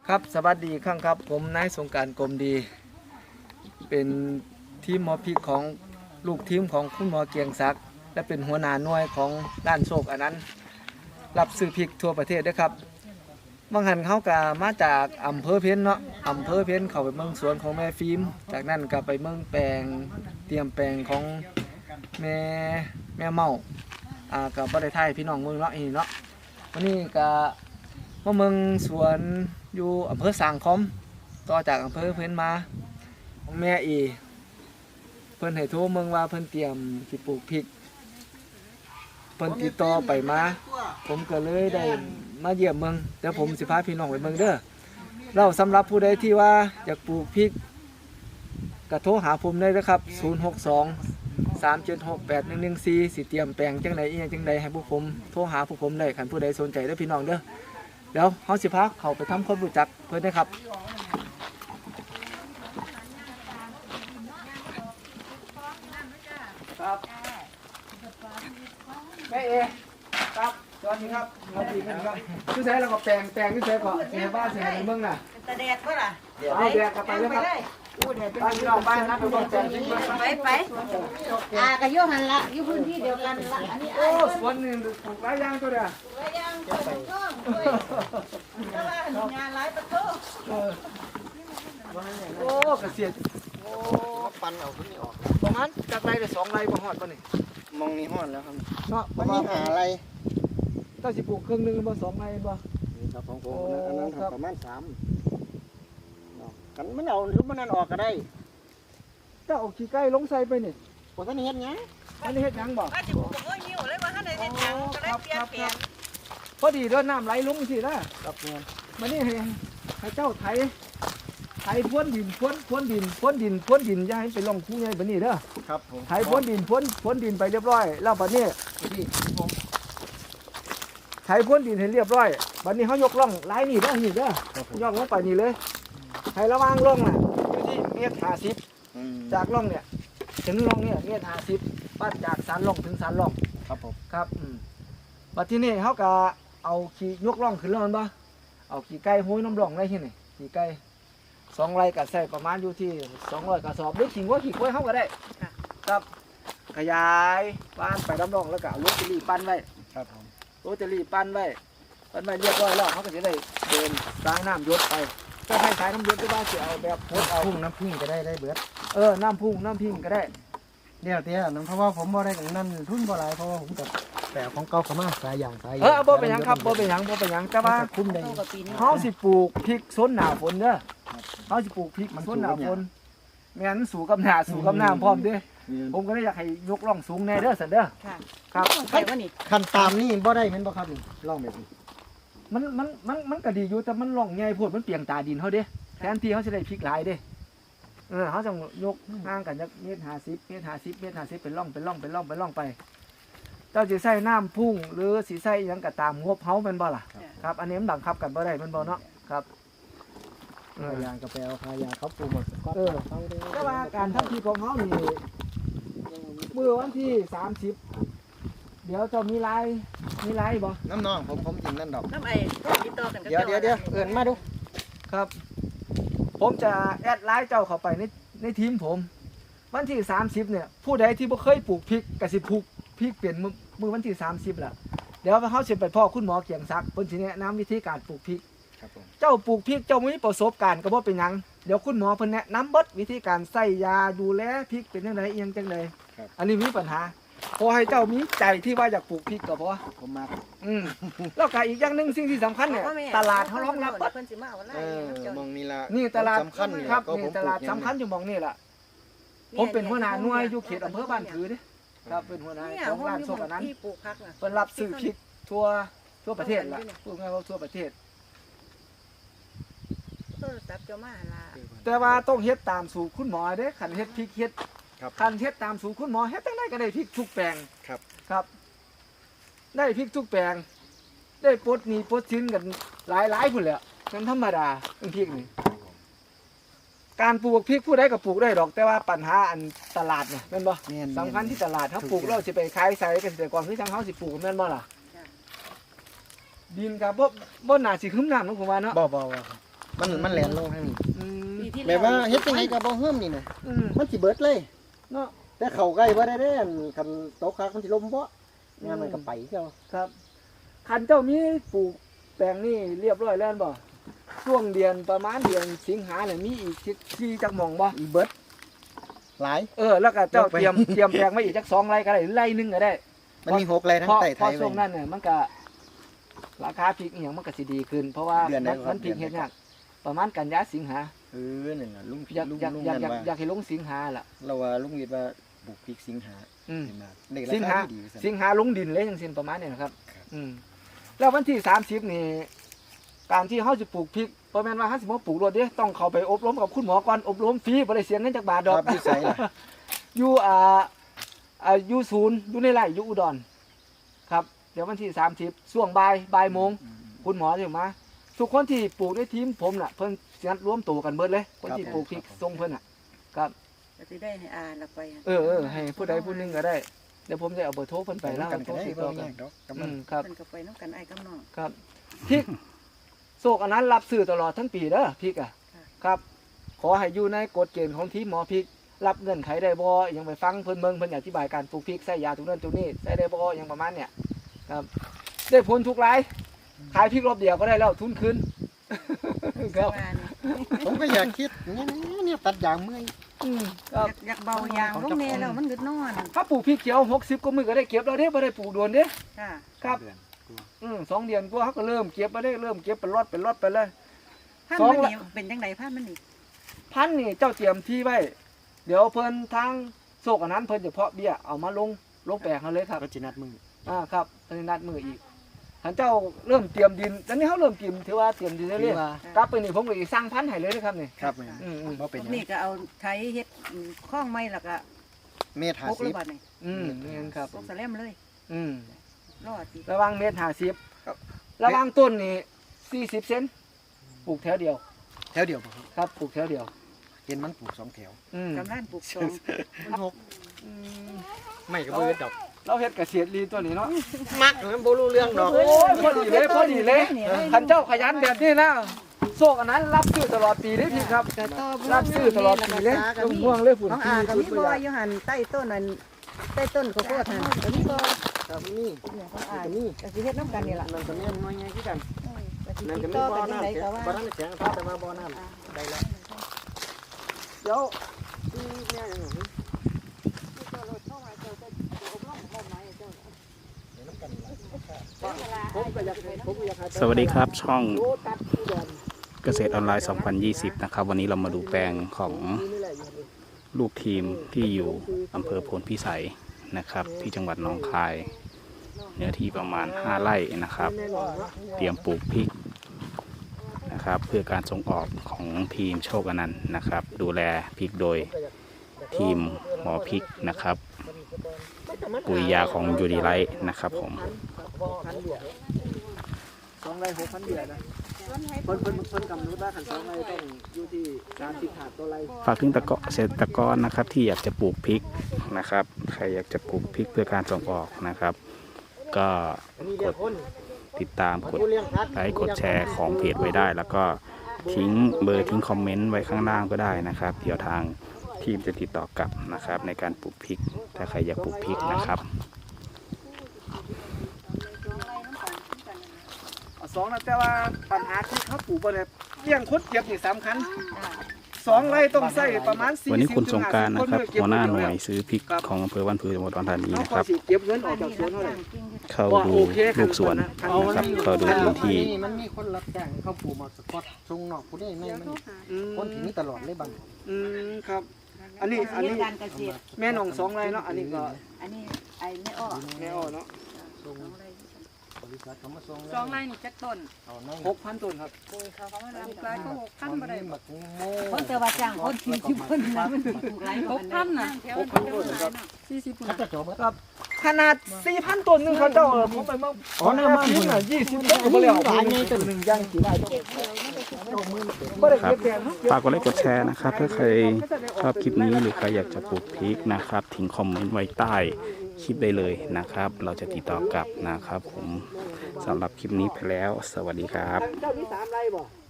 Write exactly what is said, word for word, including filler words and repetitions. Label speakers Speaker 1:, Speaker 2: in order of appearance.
Speaker 1: ครับสวัสดีครับครับผมนายสงกรานต์กรมดีเป็นทีมหมอพริกของลูกทีมของคุณหมอเกียงศักดิ์และเป็นหัวหน้าหน่วยของด้านโชคอันนั้นรับซื้อพริกทั่วประเทศด้วยครับบางหันเขากะมาจากอำเภอเพ็ญเนาะอำเภอเพ็ญเขาไปเมืองสวนของแม่ฟิล์มจากนั้นก็ไปเมืองแปลงเตรียมแปลงของแม่แม่เมาอ่ากับบ่ได้ไทยพี่น้องเมืองเนาะอีเนาะวันนี้ก็มาเมืองสวนอยู่อำเภอสางคอมต่อจากอำเภอเพิ่นมาของแม่อีเพิ่นให้โทรเมืองว่าเพิ่นเตรียมสิปลูกพริกเพิ่นติดต่อไปมาผมก็เลยได้มาเยี่ยมเมืองเดี๋ยวผมสิพาพี่น้องไปเมืองเด้อเราสำหรับผู้ใดที่ว่าอยากปลูกพริกก็โทรหาผมได้นะครับศูนย์ หก สอง สาม เจ็ด หก แปด หนึ่ง หนึ่ง สี่สิเตรียมแปลงจังไดอีหยังจังไดให้พวกผมโทรหาพวกผมได้คันผู้ใดสนใจเด้อพี่น้องเด้อเดี๋ยวเฮาสิพาเขาไปทำความรู้จักเพิ่นได้ครับครับแม่เอครับสวัสดีครับสวัสดีครับชื่อแท้แล้วก็แปลงแปลงชื่อแท้ก็เสียบ้านเสียเมืองน่ะ
Speaker 2: ตะแดดเพื่อล่ะ
Speaker 1: เอาแดกกลับไปเลยครับบ้านพี่น้องบ้านนะเป็นคนแปลงจริง
Speaker 2: ไปไปอ่ากระโยหันละอยู่พื้นที่เดียวกันละอันนี้
Speaker 1: โอ้สวนนี่ปลูกหลายอย่างตัวเดียว
Speaker 2: ไว้ยังเปิดกล้องด้วยแต่ว่างานหลายประตู
Speaker 1: โอ้เกษตร
Speaker 3: โอ้ปันเอาขึ้นนี่ออก
Speaker 1: ประมาณจากไรไปสองไรบ่ฮอดป่ะนี่
Speaker 3: มองนี่ห้อนแล้วครับ
Speaker 1: เนาะ
Speaker 3: มันมีหาอะไร
Speaker 1: ถ้าสิปลูกครึ่งนึงบ่สองไรบ่
Speaker 3: นี่ครับของผมอันนั้นครับประมาณสามกันมันเอาหรือมันนั่นออกก็ได้
Speaker 1: ถ้าเอาขี้ไก่ลงใส่ไปนี่
Speaker 3: พอท่านเห็นยัง
Speaker 1: อันนี้เฮ็ดหยังบ่
Speaker 2: ว่าจะปลูกเอ้ยหิวเลยว่าท่านใดเห็นยังก็ได้เปลี่ยนเปลี่ยน
Speaker 1: พอดีด้วยน้ำไหลลงสินะ
Speaker 3: ครับเงิน
Speaker 1: มันนี่ให้ให้เจ้าไถไถพรวนดินพรวนพรวนดินพรวนดินพรวนดินอย่าให้ไปลงคู่ใหญ่บัดนี้เด้อ
Speaker 3: ครับผม
Speaker 1: ไถพรวนดินพรวนพรวนดินไปเรียบร้อยแล้วบัดนี้ที่ผมไถพรวนดินให้เรียบร้อยบัดนี้เขายกร่องลายนี่เด้อนี่เด้อยกลงไปนี่เลยให้ระวางร่องน่ะอยู่ที่เมตรห้าสิบจากร่องเนี่ยถึงร่องเนี่ยเมตรห้าสิบปั้นจากสันร่องถึงสันร่อง
Speaker 3: ครับผม
Speaker 1: ครับอืมบัดที่นี่เขาก็เอาขี้ยกร่องขึ้นแล้วมันบ่เอาขี้ไก่ห้อยน้ำร่องได้ที่นี่ขี้ไก่สองไรก็ใส่ประมาณอยู่ที่สองร้อยกระสอบหรือขี้วัวขี้ควายเขาก็ได้ครับขยายบ้านไปน้ำร่องแล้วก็เอารถจะรีปั้นไว้
Speaker 3: ครับผม
Speaker 1: รถจะรีปั้นไว้ปั้นไว้เรียบร้อยแล้วเขาก็จะได้เดินสายน้ำหยศไปถ้าให้สายน้ำหยศก็ได้จะเอาแบบโพดเอา
Speaker 3: พุ่งน้ำพึ่งก็ได้ได้เบิด
Speaker 1: เออน้ำพุ่งน้ำพิงก็ได้
Speaker 3: เดี๋ยวเตี้ยนั่นเพราะว่าผมบ่ได้กันนั่นทุนบ่หลายเพราะว่าผมกับแต่ของเก่าเขามาสายอย่างสาย
Speaker 1: เออบ่เป็นหยังครับบ่เป็นหยังบ่เป็นหยังแต่ว่า
Speaker 3: คุ้มได้
Speaker 2: เท่ากับปีนี้
Speaker 1: เขาสิปลูกพริกสนหนาฝนเด้อเขาสิปลูกพริกสนหนาฝนแม่นสู่กับหน้าสู่กับน้ำพร้อมเด้อผมก็เลยอยากให้ยกร่องสูงแน่เด้อสันเด้อ
Speaker 2: ค่ะ
Speaker 1: ครับ
Speaker 2: ใครว่านี่
Speaker 3: คันตามนี่บ่ได้แม่นบ่ครับนี่ลองแบบนี้
Speaker 1: มันมันมันมันก็ดีอยู่แต่มันร่องใหญ่โพดมันเปียงตาดินเขาเด้แทนที่เขาจะได้พริกหลายเด้เออเขาจะยกห่างกันจากเมตรห้าสิบเมตรห้าสิบเมตรห้าสิบเป็นร่องเป็นร่องเป็นร่องเป็นร่องไปเจ้าสิใส่น้ำพุ่งหรือสิใส่หยังก็ตามงบเฮาแม่นบ่ล่ะครับอันนี้มันบังคับกันบ่ได้แม่นบ่เนาะครับเออ
Speaker 3: พายางกาแฟพายางเขาปลูกหมดก็
Speaker 1: เออ
Speaker 3: เขาได้
Speaker 1: แต่ว่าการทำทีของเขานี่เมื่อวันที่สามสิบเดี๋ยวจะมีไลน์มีไลน์บ่
Speaker 3: น้ำน้องผมผมกินนั่นดอก
Speaker 2: น้ำไอ้ติดต่อกันกับ
Speaker 3: เดี๋ยวเดี๋ยวเดี๋ยวเอิ้นมาดู
Speaker 1: ครับ ผมจะแอดไลน์เจ้าเข้าไปในในทีมผม วันที่สามสิบเนี่ยผู้ใดที่บ่เคยปลูกพริกก็สิปลูกพริกเปลี่ยนมือมือวันที่สามสิบล่ะเดี๋ยวเขาสิไปพ่อคุณหมอเกียงศักดิ์เพิ่นสิแนะนำวิธีการปลูกพริก
Speaker 3: ครับผม
Speaker 1: เจ้าปลูกพริกเจ้ามีประสบการณ์ก็บ่เป็นหยังเดี๋ยวคุณหมอเพิ่นแนะนำเบิดวิธีการใส่ยาดูแลพริกเป็นจังไดอีหยังจังไดอันนี้มีปัญหาขอให้เจ้ามีใจที่ว่าอยากปลูกพริกก็พอ
Speaker 3: ผมมา
Speaker 1: อืมแล้วก็อีกอย่างหนึงสิ่งที่สำคัญเนี่ยตลาดเขารองรับเบิด
Speaker 2: เพิ่นสิมาวันไหน
Speaker 3: เออมองนี่ละ
Speaker 1: นี่ตลาด
Speaker 3: สำคัญนี่
Speaker 1: ครับ
Speaker 3: ก็
Speaker 1: นี่
Speaker 3: ผม
Speaker 1: ตลาด
Speaker 3: ปลูก
Speaker 1: สำคัญอยู่หมองนี่ล่ะผมเป็นหัวหน้าหน่วยอยู่เขตอำเภอบ้านผือเด้ครับเป็นหัวหน้า
Speaker 2: เนี่ย
Speaker 1: ของ
Speaker 2: ห้อง
Speaker 1: ร้าน
Speaker 2: อยู่
Speaker 1: โซกอันนั้น
Speaker 2: ที่ปลูกพักน่ะ
Speaker 1: เพิ่นรับซื้อพริกทั่วทั่วประเทศล่ะพูดง่ายว่าทั่วประเทศ
Speaker 2: โทรศัพท์เจ้ามาล่ะ
Speaker 1: แต่ว่าต้องเฮ็ดตามสูตรคุณหมอเด้คันเฮ็ดพริกเฮ็ด
Speaker 3: ครับ
Speaker 1: คันเฮ็ดตามสูตรคุณหมอเฮ็ดจังไดก็ได้พริกทุกแปลง
Speaker 3: ครับ
Speaker 1: ครับ ได้พริกทุกแปลง ได้ปลดหนี้ปลดสินกันหลายๆพุ่นแหละเป็นธรรมดาเรื่องพริกนี่การปลูกพริกผู้ใดก็ปลูกได้ดอก แต่ว่าปัญหาอันตลาดเนี่ยแม่นบ่
Speaker 3: แม่น
Speaker 1: สำคัญที่ตลาดเขาปลูกเราสิไปขายใส่เกษตรกรคือจังเขาสิปลูกแม่นบ่ล่ะดินกับบ่บ่น่าสิขึ้นน้ำนะผมว่าเนาะ
Speaker 3: บ่บ่บ่ครับมันมันแหลนลงทางนี้
Speaker 1: อืม
Speaker 2: ปีที่
Speaker 3: แบบว่าเฮ็ดจังไดก็บ่เฮิ่มนี่นะ
Speaker 1: อืม
Speaker 3: มันสิเบิดเลยเนาะแต่เข้าใกล้บ่ได้เด้อันคันตกคักมันสิล้มบ่งานมันก็ไปเจ้า
Speaker 1: ครับคันเจ้ามีปลูกแปลงนี่เรียบร้อยแล้วบ่ช่วงเดือนประมาณเดือนสิงหาเนี่ยมีอีกที่ที่จักหม่องบ่
Speaker 3: อีเบิดหลาย
Speaker 1: เออแล้วก็เจ้า
Speaker 3: ลงไป
Speaker 1: เตรียมเตรียมแปลงไว้อีกจักสองไร่ก็ได้หรือไร่หนึงก็ได้
Speaker 3: มันมีหกไรทั้
Speaker 1: เพ
Speaker 3: ง
Speaker 1: ราะ
Speaker 3: ใต้
Speaker 1: เพ
Speaker 3: ไท
Speaker 1: ราะ
Speaker 3: ย
Speaker 1: ช่วง
Speaker 3: ไว้
Speaker 1: นั้นเนี่ยมันก็ราคาพริกอหย่างมันก็สิดีขึ้น เพราะว่า
Speaker 3: เดือนไหน
Speaker 1: มัน
Speaker 3: ครับ
Speaker 1: มันพริก
Speaker 3: เดื
Speaker 1: เฮ็
Speaker 3: อน
Speaker 1: ด
Speaker 3: ไหน
Speaker 1: ยากประมาณกันยาสิงหา
Speaker 3: เออนั่นน่ะลุง
Speaker 1: อยาก
Speaker 3: ลุง
Speaker 1: อยาก
Speaker 3: ลุง
Speaker 1: อยาก
Speaker 3: นั่น
Speaker 1: อยาก
Speaker 3: ว่า
Speaker 1: อยากให้ลงสิงหาล่ะ
Speaker 3: เราว่าลุงวิทย์ว่าปลูกพริกสิงหา
Speaker 1: อืม
Speaker 3: ขึ้นมาได้
Speaker 1: สิง
Speaker 3: รา
Speaker 1: หา
Speaker 3: คาดีๆว่าซั่น
Speaker 1: สิงหาลงดินเลยจังซี่ประมาณนี้นะครับ
Speaker 3: ครับ
Speaker 1: อืมแล้ววันที่สามสิบนี่การที่เฮาจะปลูกพริกบ่แม่นว่าเฮาสิมาปลูกรถเด้ต้องเข้าไปอบรมกับคุณหมอก่อนอบรมฟรีบ่ได้เสียเงินจักบาทด
Speaker 3: ค
Speaker 1: อก
Speaker 3: รับอยู่ไสล่ะ
Speaker 1: อยู่อ่าอ่าอยู่ศูนย์อยู่ในไร่อยู่อุดรครับ เดี๋ยววันที่สามสิบช่วงบ่ายบ่ายโมงคุณหมอจะมาทุกคนที่ปลูกในทีมผมน่ะเพิ่นสินัดรวมตัวกันเบิดเลยคนที่ปลูกพริกส่งเพิ่นน่ะครับ
Speaker 2: ก็สิได้ให้อ่านละไป
Speaker 1: เออเออให้ผู้ใดผู้หนึงก็ได้เดี๋ยวผมจะเอาเบอร์โทรเพิ่นไป
Speaker 3: ไป
Speaker 1: แล้ว
Speaker 3: นำกัน
Speaker 1: โท
Speaker 3: ก็
Speaker 1: ร
Speaker 3: ได้
Speaker 1: ติด
Speaker 3: บ่
Speaker 1: ต่อ
Speaker 3: มีห
Speaker 1: กั
Speaker 3: ยั
Speaker 1: น
Speaker 3: งดอกกำ
Speaker 1: อื
Speaker 3: ลัง
Speaker 1: มครับ
Speaker 2: เพิ่นก็ไปน้ำกันไอ้กับน้อง
Speaker 1: ครับพริกโศกอันนั้นรับซื้อตลอดทั้งปีเด้อพริกอ่ะ
Speaker 2: ค่ะ
Speaker 1: ครับ ขอให้อยู่ในกฎเกณฑ์ของทีมหมอพริก รับเงื่อนไขได้บ่อยังไปฟังเพิ่นเบิ่งเพิ่นอธิบายการปลูกพริกใส่ยาตรงนั้นตรงนี้ใส่ได้บ่อยังประมาณเนี่ยครับได้ผลทุกรายขายพริกรอบเดียวก็ได้แล้วทุนคืน ครับ
Speaker 2: ว่านี่
Speaker 3: ผมก็อยากคิดเนี่ยเนี่ยตัดยางเมื่อย
Speaker 1: อืมค
Speaker 2: อ
Speaker 1: รับ
Speaker 2: ยากอยากเบายางลงแน่แล้วมันกึดนอน
Speaker 1: ถ้าปลูกพริกเขียวหกสิบก็มือก็ได้เก็บแล้วเด้บ่ได้ปลูกโดนเด้
Speaker 2: ค่ะ
Speaker 1: ครับอืมสองเดือนกว่าเขาก็เริ่มเก็บมาได้เริ่มเก็บเป็นรอดเป็นรอดไปเลย
Speaker 2: พัน
Speaker 1: สอง
Speaker 2: มัน
Speaker 1: ละ
Speaker 2: นี่เป็นจังไดพันมันนี่
Speaker 1: พันธุ์นี่เจ้าเตรียมที่ไว้ เดี๋ยวเพิ่นทางโศกอันนั้นเพิ่นจะเพาะเบี้ยเอามาลงลงแปลงเขาเลยครับ
Speaker 3: ก็จินัดมือ
Speaker 1: อ่าครับตอนนี้นัดมืออีกท่านเจ้าเริ่มเตรียมดินตอนนี้เขาเริ่มเตรียมถือว่าเตรียมดินเรื่อยๆกลับไปนี่ผมก็อีกสร้างพันธุ์ให้เลยนะครับนี่
Speaker 3: ครับแม่
Speaker 1: อืมอืม
Speaker 3: บ่เป็นหยัง
Speaker 2: นี่ก็เอาไถเฮ็ดข้องไม้แล้วก็
Speaker 3: เมตร
Speaker 2: พกระ
Speaker 3: ห้าสิบ
Speaker 2: บาดนี่
Speaker 1: อืมนี่นครับ
Speaker 2: พกสะแลมเลย
Speaker 1: อืม
Speaker 2: รอดสิ
Speaker 1: ระหวังเมตรห้าสิบระหวังต้นนี่สี่สิบเซนปลูกแถวเดียว
Speaker 3: แถวเดียวบ่ครับ
Speaker 1: ครับปลูกแถวเดียว
Speaker 3: เห็นมันปลูกสองแถว
Speaker 1: อืม
Speaker 2: กำลังปลูกสอง
Speaker 3: มันหก
Speaker 1: อืม
Speaker 3: ไม่ก็บ่เฮ็ดดอก
Speaker 1: เราเฮ็ดเกษตรลีตัวนี้เนาะ
Speaker 3: มักมันบ่รู้เรื่องดอก
Speaker 1: โอ้ยพอดีเลยพอดีเลยขันเจ้าขยันแบบนี้นะโซกอันนั้นรับซื้อตลอดปีเลยพี่ครับ
Speaker 2: แต่ต่อบ่
Speaker 1: รับซื้อตลอดปีเลยต้องห่วงเลยฝุ่น
Speaker 2: ของ
Speaker 1: ปี
Speaker 2: อาก็มี
Speaker 1: ฝุ่น
Speaker 2: บ่
Speaker 1: ตัว
Speaker 2: อยู่หั่นใต้ต้นนั่นใต้ต้นข้าวโพดหั่นก็มีบ่
Speaker 3: ครับนี่
Speaker 2: เนี่ยของอานี่ก็สิเฮ็ดน้ำกันนี่ล่ะ
Speaker 3: มันก็แม่นน้อยใหญ่คือกัน
Speaker 2: ก็สิ
Speaker 3: นั่น
Speaker 2: ติ
Speaker 3: ก็
Speaker 2: ด
Speaker 3: มี
Speaker 2: ต่อ
Speaker 3: บ่อ
Speaker 2: กันจังได
Speaker 3: น้ำ
Speaker 2: ก็ว่า
Speaker 3: บ่อน้ำแข็งครับแต่ว่าบ่อน้ำได้แล้ว
Speaker 1: เดี๋ยว
Speaker 4: สวัสดีครับช่องเกษตรออนไลน์ สองพันยี่สิบ นะครับ วันนี้เรามาดูแปลงของลูกทีมที่อยู่อำเภอโพนพิสัยนะครับ ที่จังหวัดหนองคาย เนื้อที่ประมาณห้าไร่นะครับ เตรียมปลูกพริกนะครับ เพื่อการส่งออกของทีมโชคอนันต์นะครับ ดูแลพริกโดยทีมหมอพริกนะครับ ปุ๋ยยาของยูดีไลท์นะครับผม
Speaker 1: สองไร่หกพันเดียนะเพิ่นเพิ่นเพิ่นกำหนดว่าขันสองไร่ต้องอยู่ที่สามสิบถาดต่อไร่
Speaker 4: ฝากถึงตะเกาะเกษตรกรนะครับที่อยากจะปลูกพริกนะครับ ใครอยากจะปลูกพริกเพื่อการส่งออกนะครับ ก็กดติดตามกดไลค์กดแชร์ของเพจไว้ได้ แล้วก็ทิ้งเบอร์ทิ้งคอมเมนต์ไว้ข้างล่างก็ได้นะครับ เดี๋ยวทางทีมจะติดต่อกลับนะครับ ในการปลูกพริก ถ้าใครอยากปลูกพริกนะครับ
Speaker 1: เอาสองนะแต่ว่าปัญหาที่เขาปลูกบ่ได้เลี้ยงคนเก็บนี่สำคัญสองไร่ต้องใส่ประมาณสี่สิบ
Speaker 4: วันนี้คุณสงกราร
Speaker 1: ถึงห้
Speaker 4: นะครับ
Speaker 1: สิ
Speaker 4: หัวหน้าหน่วยซื้อพริกของอำเภอบ้านผือจังหวัดอุดรธานี
Speaker 1: เขา
Speaker 4: นะ
Speaker 1: ข
Speaker 4: ค
Speaker 1: อ
Speaker 4: รับ
Speaker 1: สิเก็บเงินออกจากสวนเท่าไหร่
Speaker 4: เข้าดูลูกสวนนะครับเข้าดูพื้นที่
Speaker 3: มันมีคนรับจ้างเขาปลูกมาสกอตทรงนอกผู้ใดไม่มัน
Speaker 1: อืม
Speaker 3: คนที่มีตลอดเลยบาง
Speaker 1: อืมครับ อันนี้อันนี้
Speaker 2: การเกษตร
Speaker 1: แม่น้องสองไร่เนาะอันนี้ก็
Speaker 2: อันนี้ไอ้แม่อ้อ
Speaker 1: แม่อ้อเนาะ
Speaker 3: ทรงบริษัทเขามาทรง
Speaker 5: สองไร่นี่จักต้น
Speaker 3: เอานั่ง
Speaker 1: หกพันต้นครับ
Speaker 2: เขาเขามา
Speaker 5: ปลูก
Speaker 2: ทำ
Speaker 5: หลายก็หกพันบ่ได้
Speaker 3: หมักโม่
Speaker 2: คนเตอว่าจ้างคนที่ที่เพิ่นนะมันถูกหลาย
Speaker 5: หกพันน่ะ
Speaker 1: หกพันต้นครับ
Speaker 5: สี่สิบ
Speaker 3: เขาจะจบ
Speaker 1: ครับขนาดสี่พันต้นหนึงเขาเจ้าเออผมไปเมื่อ
Speaker 3: อ๋อหน้าบ้าน
Speaker 1: พี่
Speaker 3: คุณ
Speaker 1: น่ะยี่สิบต้นก็บ่แล้วหลายไงต้นหนึ่งย่างกี่ไร่บ่ได้เก็บแดง
Speaker 4: ฝากกดไลค์กดแชร์นะครับถ้าใครชอบคลิปนี้หรือใครอยากจะปลูกพริกนะครับ ทิ้งคอมเมนต์ไว้ใต้คลิปได้เลยนะครับ เราจะติดต่อกลับนะครับ ผมสำหรับคลิปนี้ไปแล้ว สวัสดีครับ
Speaker 1: เจ้าที่สามไร่บ่